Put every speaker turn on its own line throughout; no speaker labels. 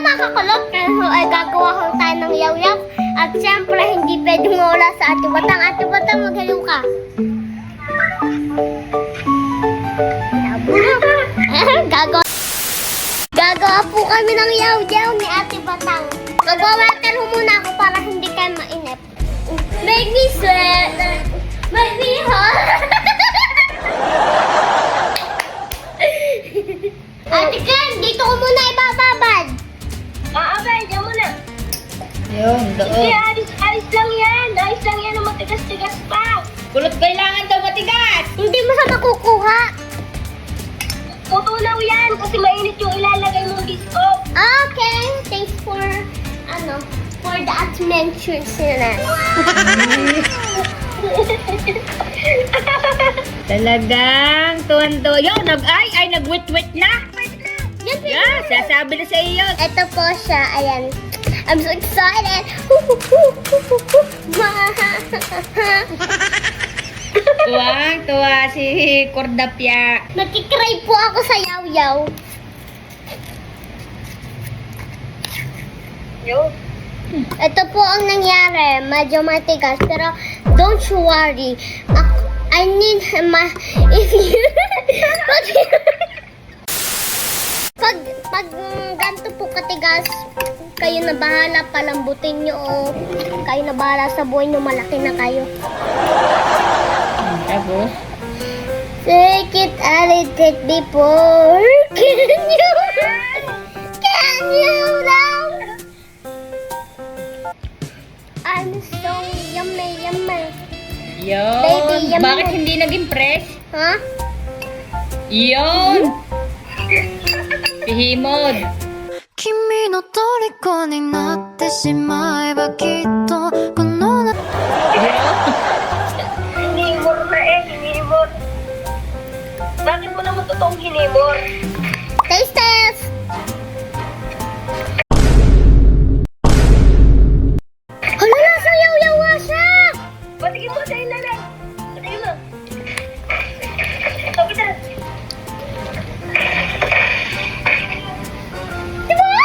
makakulot kasi ay gagawa ko tayo ng yaw-yaw. At siyempre, hindi pwedeng mawala sa Ate Batang. Ate Batang, maghalo ka. Gagawa po kami ng yaw-yaw ni Ate Batang. Magwawater ho muna ako para hindi kayo mainip. Make me sweat. Make me hot. Ate Ken, dito ko muna ibababad.
Abay, diyan muna.
Yun,
Hindi,
doon.
ayos lang yan. Ayos lang yan, matigas-tigas pa.
Kulot kailangan daw matigas.
Hindi mo siya makukuha.
Tutunaw yan kasi mainit yung ilalagay mong biskop.
Okay, thanks for the adventures na.
Talagang tuwan-tuwa. Yun, nag-wit-wit na. Yeah, sasabi na sa iyo.
Ito po siya, ayan. I'm so excited.
Tuwang-tuwa si Cordapia.
Nagkikray po ako sa yaw-yaw.
Yo.
Ito po ang nangyari. Medyo matigas. Pero don't you worry. I need if you... pag ganito po katigas, kayo na bahala, palambutin nyo o kayo na bahala sa buhay nyo, malaki na kayo.
Tapos?
Take it a little before. Can you now? I'm so yummy.
Yun.
Baby, yummy.
Bakit hindi naging fresh?
Ha?
Yun. Pihimod.
君の虜になってしまえばきっとこの夏
Hinimor na hinimor. Bakit mo naman totoong hinimor?
Taste test! Hala, nasa yaw-yaw nga siya!
Patigin mo sa'yo nanay. Patigin mo. Ito, kita.
Diba?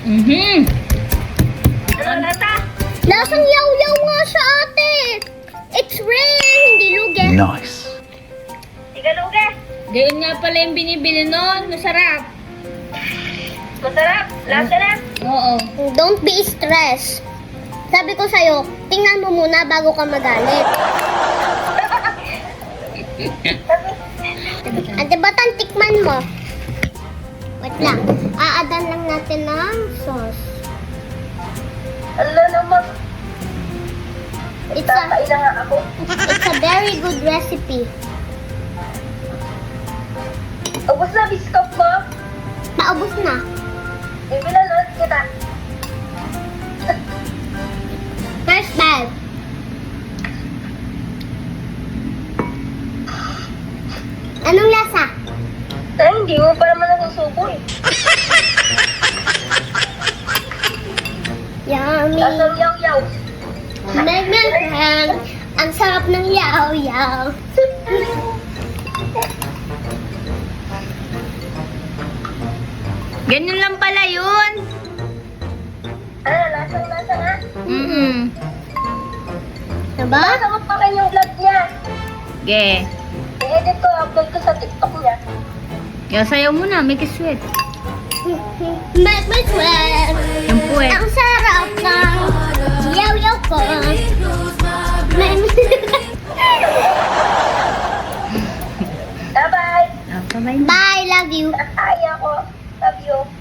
Ano nata?
Lasang yaw-yaw nga siya, ate! It's real, hindi lugi.
Nice.
Tigaluga.
Gayon nga pala yung binibili nun. Masarap.
Masarap. Lasa na.
Oo.
Don't be stressed. Sabi ko sa'yo, tingnan mo muna bago ka magalit. Ate Batang, tikman mo. Wait lang. Aadan lang natin ng sauce.
Ala naman.
It's
Kakain na nga ako.
a very good recipe.
Ubus na biskop mo.
Paubos na.
Ibilan ulit kita.
First bite. Anong lasa?
Ay, hindi mo pa naman nasusubo eh.
Yummy.
Lasang yaw-yaw.
Megmehang. Ang sarap ng yaw-yaw.
Ganyan lang pala yun.
Ano, lasang-lasa nga.
Diba?
Basta mo pa rin yung vlog niya.
Ge.
I-edit ko, upload ko sa TikTok niya.
Yung sayaw mo na, make it sweet.
Megmehang.
Yung puwet.
Ang sarap ng yaw-yaw ko.
Bye-bye.
Bye.
Bye, love you.
Ay, ako. Love you.